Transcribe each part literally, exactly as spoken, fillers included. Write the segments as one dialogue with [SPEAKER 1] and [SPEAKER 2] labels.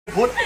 [SPEAKER 1] พุทธ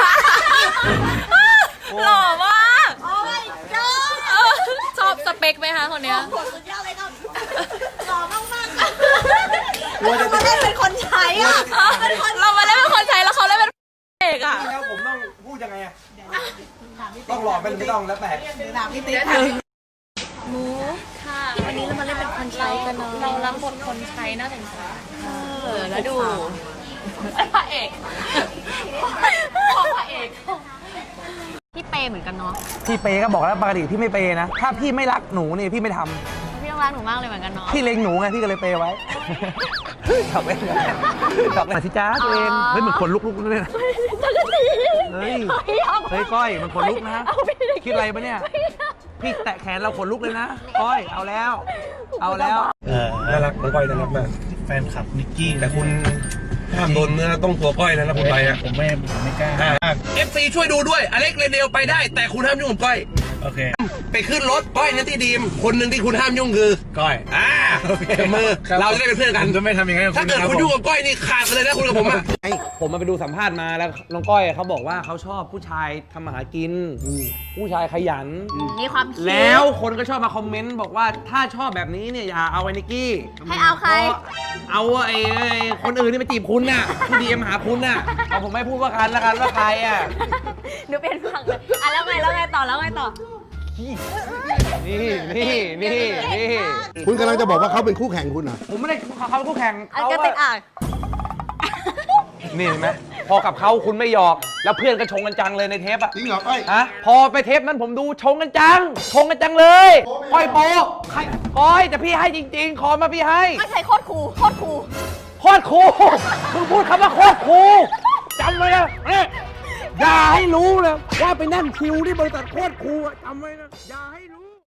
[SPEAKER 2] หล่อมาก
[SPEAKER 3] โอ้ยเจ้า
[SPEAKER 2] ชอบสเปคไหมคะคนเนี้ย
[SPEAKER 3] โหสุดยอดเลยครับหล่อมากๆค่ะเรามาเล่นเป็นคนใช้อ่ะเป็นคน
[SPEAKER 2] เรามาเล่นเป็นคนใช้แล้วเขาเล่นเป็นเอกอ่ะ
[SPEAKER 1] แล้วผมต้องพูดยังไงอะต้องหล่อเป็นไม่ต้องแล้วแต่
[SPEAKER 3] ถามพี่ติ๊ก
[SPEAKER 2] หมูค่ะวันนี้เรามาเล่นเป็นคนใช้กันเนาะเรารับบทคนใช้น่าสงสารเออแล้วดูพระเอกของพระเอกพี่เปย์เหมือนกันเนาะ
[SPEAKER 1] พี่เปย์ก็บอกแล้วปกติพี่ไม่เปย์นะถ้าพี่ไม่รักหนูนี่พี่ไม่ทำ
[SPEAKER 2] พี่ต้องรักหนูมากเลยเหมือนกันเนาะ
[SPEAKER 1] พี่เล็งหนูไงพี่ก็เลยเปย์ไว้ทำเองทำเองสิจ้าตัวเองเฮ้ยเหมือนคนลุกๆเลยนะเฮ้ยเฮ้ยก้อยมันคนลุกนะคิดอะไรปะเนี่ยพี่แตะแขนเราขนลุกเลยนะก้อยเอาแล้ว เอาแล้วน่ารักน้องก้อยน่ารักมาก
[SPEAKER 4] แฟนคลับนิกกี้
[SPEAKER 1] แต่คุณห้ามโดนเนื้อต้องตัวก้อยนะแล้วคุณไปอ่ะ
[SPEAKER 4] ผมไม่ผมไม่กล้า
[SPEAKER 1] เอฟซีช่วยดูด้วยอเล็กเรเนลไปได้แต่คุณห้ามยุ่งกับก้อย
[SPEAKER 4] โอเค
[SPEAKER 1] ไปขึ้นรถก้อยนั่นที่ดีมคนหนึ่งที่คุณห้ามยุ่งคือ
[SPEAKER 4] ก้อย
[SPEAKER 1] อ่าจับมือเราจะได้เป็นเพื่อนกัน
[SPEAKER 4] ผมจะไม่ทำอย่างนั้นกับ
[SPEAKER 1] ถ้า
[SPEAKER 4] คุณ
[SPEAKER 1] เกิด
[SPEAKER 4] นะ
[SPEAKER 1] คุณ
[SPEAKER 4] รับ
[SPEAKER 1] ยุ่งกับก้อยนี่ขาดไปเลยนะคุณกับผมอ่ะผมมาไปดูสัมภาษณ์มาแล้วน้องก้อยเขาบอกว่าเขาชอบผู้ชายทำมาหากินผู้ชายขยัน
[SPEAKER 2] มีความคิด
[SPEAKER 1] แล้วคนก็ชอบมาคอมเมนต์บอกว่าถ้าชอบแบบนี้เนี่ยอย่าเอาไอ้นิกกี้
[SPEAKER 2] ให้เอาใคร
[SPEAKER 1] เอาไอ้ไอ้คนอื่นที่มาจีบคุณน่ะที่ดีเอ็มหาคุณน่ะเอาผมไม่พูดว่ากันละกันว่าใครอ่ะ
[SPEAKER 2] หนูเป็นฝั่งเลยอ่ะแล้วไงแล้วไงต่อแล้วไงต่อ
[SPEAKER 1] นี่นี่นี่นี่
[SPEAKER 5] คุณกำลังจะบอกว่าเขาเป็นคู่แข่งคุณเหรอ
[SPEAKER 1] ผมไม่ได้เขาเป็นคู่แข่ง
[SPEAKER 2] อัน
[SPEAKER 1] เขา
[SPEAKER 2] ก็ติดอ่าง
[SPEAKER 1] นี่เห็นไหมพอกับเขาคุณไม่หยอกแล้วเพื่อนก็ชงกันจังเลยในเทปอ่ะ
[SPEAKER 5] จริงเหรอก้อย
[SPEAKER 1] ฮะพอไปเทปนั้นผมดูชงกันจังชงกันจังเลยก้อยโปใครก้อยแต่พี่ให้จริงๆขอมาพี่ให้
[SPEAKER 2] ไม่ใช่โคตรคูลโคตรคูล
[SPEAKER 1] โคตรครูมึงพูดคำว่าโคตรครูจำไว้นะเนี่ยอย่าให้รู้เลยว่าไปนั่งคิวที่บริษัทโคตรครูอะจำไว้นะอย่าให้รู้